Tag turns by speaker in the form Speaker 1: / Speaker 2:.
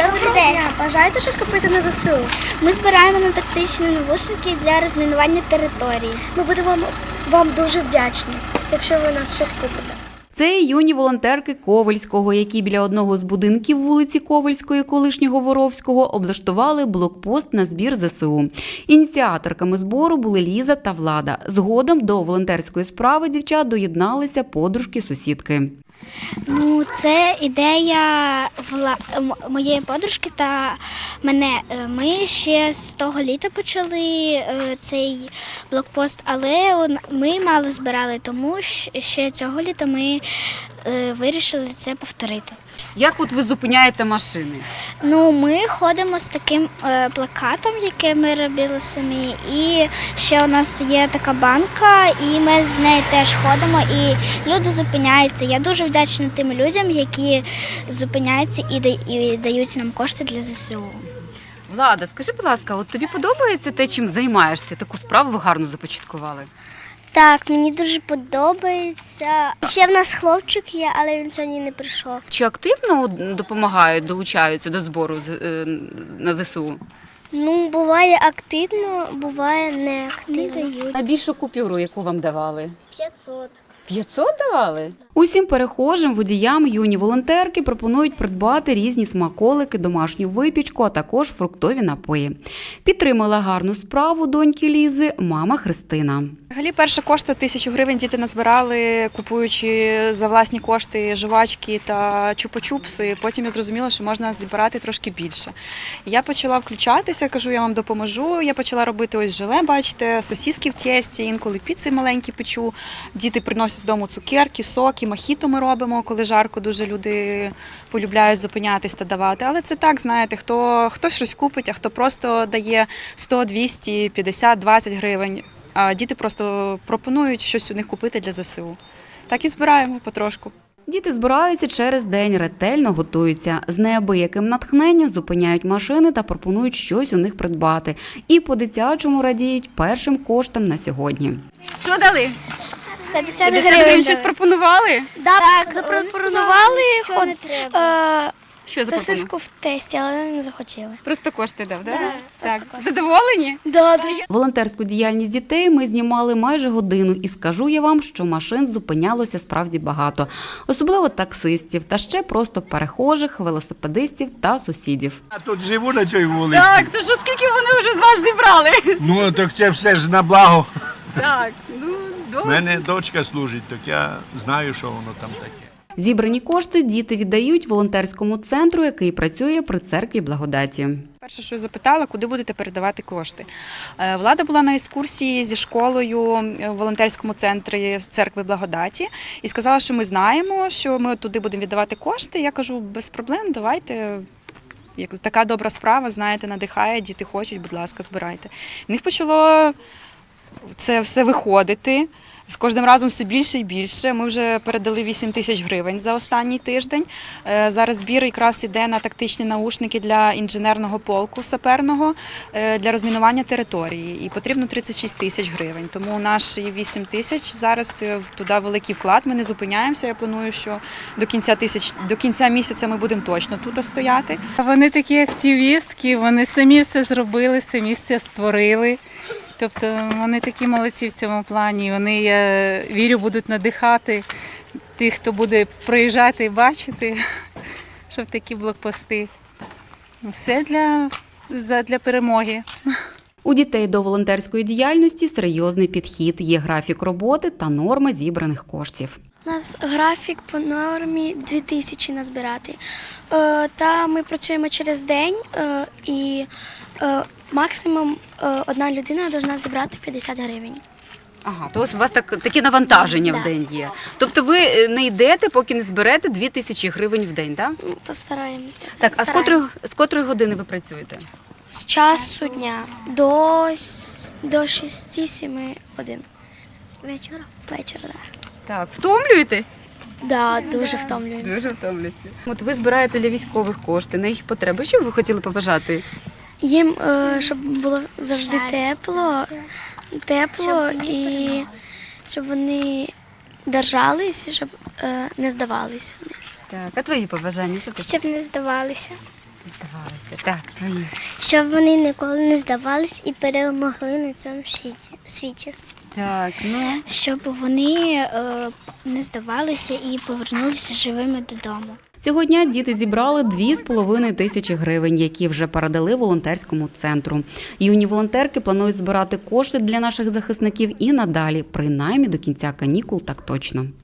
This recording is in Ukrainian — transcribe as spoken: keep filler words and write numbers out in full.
Speaker 1: Добрий день. Бажаєте щось купити на ЗСУ? Ми збираємо на тактичні навушники для розмінування території. Ми будемо вам, вам дуже вдячні, якщо ви нас щось купите.
Speaker 2: Це юні волонтерки Ковельського, які біля одного з будинків вулиці Ковельської, колишнього Воровського, облаштували блокпост на збір ЗСУ. Ініціаторками збору були Ліза та Влада. Згодом до волонтерської справи дівчат доєдналися подружки-сусідки.
Speaker 1: Ну, це ідея вла... моєї подружки та мене. Ми ще з того літа почали цей блокпост, але ми мало збирали, тому ще цього літа ми вирішили це повторити.
Speaker 2: Як от ви зупиняєте машини?
Speaker 1: Ну, ми ходимо з таким е, плакатом, який ми робили самі, і ще у нас є така банка, і ми з нею теж ходимо, і люди зупиняються. Я дуже вдячна тим людям, які зупиняються і, і дають нам кошти для ЗСУ.
Speaker 2: Влада, скажи, будь ласка, от тобі подобається те, чим займаєшся? Таку справу ви гарно започаткували.
Speaker 1: Так, мені дуже подобається. Ще в нас хлопчик є, але він сьогодні не прийшов.
Speaker 2: Чи активно допомагають, долучаються до збору на ЗСУ?
Speaker 1: Ну, буває активно, буває не активно.
Speaker 2: Найбільшу купюру, яку вам давали?
Speaker 1: п'ятсот.
Speaker 2: п'ятсот давали? Усім перехожим, водіям юні волонтерки пропонують придбати різні смаколики, домашню випічку, а також фруктові напої. Підтримала гарну справу доньки Лізи мама Христина.
Speaker 3: Взагалі, перші кошти тисячу гривень діти назбирали, купуючи за власні кошти жувачки та чупа-чупси. Потім я зрозуміла, що можна збирати трошки більше. Я почала включатися, кажу, я вам допоможу. Я почала робити ось желе, бачите, сосиски в тісті, інколи піци маленькі печу. Діти приносять з дому цукерки, соки, мохіто ми робимо, коли жарко, дуже люди полюбляють зупинятись та давати. Але це так, знаєте, хто, хтось щось купить, а хто просто дає сто, двісті, п'ятдесят, двадцять гривень. А діти просто пропонують щось у них купити для ЗСУ. Так і збираємо потрошку.
Speaker 2: Діти збираються через день, ретельно готуються. З неабияким натхненням зупиняють машини та пропонують щось у них придбати. І по-дитячому радіють першим коштам на сьогодні. Що дали?
Speaker 1: п'ятдесят гривень.
Speaker 2: Щось пропонували?
Speaker 1: Так, запропонували ход, е,
Speaker 2: Що
Speaker 1: сосиску в тесті, але вони не захотіли.
Speaker 2: Просто кошти дав, так?
Speaker 1: Да, просто кошти.
Speaker 2: Задоволені?
Speaker 1: Да,
Speaker 2: Волонтерську діяльність дітей ми знімали майже годину. І скажу я вам, що машин зупинялося справді багато. Особливо таксистів, та ще просто перехожих, велосипедистів та сусідів.
Speaker 4: Я тут живу на цій вулиці.
Speaker 2: Так, то що скільки вони вже з вас зібрали?
Speaker 4: Ну, так це все ж на благо.
Speaker 2: Так, ну,
Speaker 4: У
Speaker 2: добре.
Speaker 4: мене дочка служить, так я знаю, що воно там таке.
Speaker 2: Зібрані кошти діти віддають волонтерському центру, який працює при церкві Благодаті.
Speaker 3: Перше, що я запитала, куди будете передавати кошти. Е, Влада була на екскурсії зі школою в волонтерському центрі церкви Благодаті і сказала, що ми знаємо, що ми туди будемо віддавати кошти. Я кажу, без проблем, давайте. Як така добра справа, знаєте, надихає, діти хочуть, будь ласка, збирайте. В них почало це все виходити. З кожним разом все більше і більше. Ми вже передали вісім тисяч гривень за останній тиждень. Зараз збір якраз іде на тактичні наушники для інженерного полку саперного для розмінування території. І потрібно тридцять шість тисяч гривень. Тому наші вісім тисяч зараз туди великий вклад. Ми не зупиняємося. Я планую, що до кінця тисяч, до кінця місяця ми будемо точно тут стояти.
Speaker 5: Вони такі активістки, вони самі все зробили, самі все створили. Тобто вони такі молодці в цьому плані. Вони, я вірю, будуть надихати тих, хто буде приїжджати і бачити, щоб такі блокпости. Все для, для перемоги.
Speaker 2: У дітей до волонтерської діяльності серйозний підхід. Є графік роботи та норма зібраних коштів.
Speaker 1: У нас графік по нормі дві тисячі назбирати. Е, та ми працюємо через день е, і е, максимум е, одна людина повинна зібрати п'ятдесят гривень.
Speaker 2: Ага, то ось у вас так, такі навантаження
Speaker 1: Да.
Speaker 2: в день є. Тобто ви не йдете, поки не зберете дві тисячі гривень в день, так?
Speaker 1: Постараємося.
Speaker 2: Так, а з
Speaker 1: Стараємося.
Speaker 2: котрої, з котрої години ви працюєте?
Speaker 1: З часу дня до, с- до шести-семи годин. Вечора? Вечора, так.
Speaker 2: Так, втомлюєтесь?
Speaker 1: Да, дуже втомлюємося.
Speaker 2: Дуже втомлюєтеся. От ви збираєте для військових кошти на їх потреби. Що б ви хотіли побажати?
Speaker 1: Їм, е, щоб було завжди тепло, тепло і щоб вони держались, щоб е, не здавались.
Speaker 2: Так, а твої побажання? Що ти?
Speaker 1: Щоб не здавалися.
Speaker 2: здавалися. Так, твої.
Speaker 6: Щоб вони ніколи не здавались і перемогли на цьому світі- світі.
Speaker 2: Так, ну.
Speaker 1: Щоб вони е, не здавалися і повернулися живими додому.
Speaker 2: Цього дня діти зібрали дві з половиною тисячі гривень, які вже передали волонтерському центру. Юні волонтерки планують збирати кошти для наших захисників і надалі, принаймні до кінця канікул, так точно.